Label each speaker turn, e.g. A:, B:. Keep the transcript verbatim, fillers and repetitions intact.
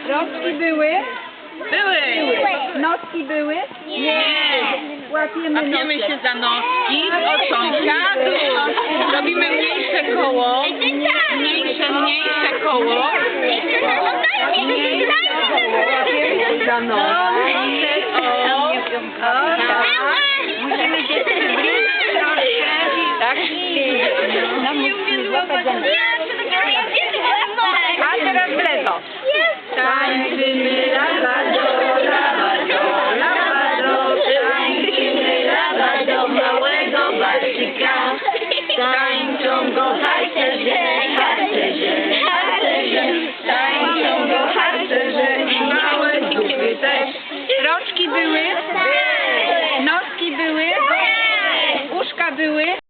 A: Rączki były?
B: Były.
A: Noski były?
B: Nie.
A: Łapiemy
B: Łapiemy
A: nosek.
B: się za noski od sąsiadów. Robimy mniejsze koło. Mniejsze, mniejsze koło.
A: Łapiemy się za noski.
B: O,
A: Musimy się przybliżyć troszkę.
B: tak.
A: No, musimy złapać za noski. A teraz w lewo. Tańczymy lawado, lawado, lawado, tańczymy lawado małego Barcika. Tańczą go harcerze, harcerze, harcerze, tańczą go harcerze i małe dupy też. Rączki były? Noski były? Uszka były?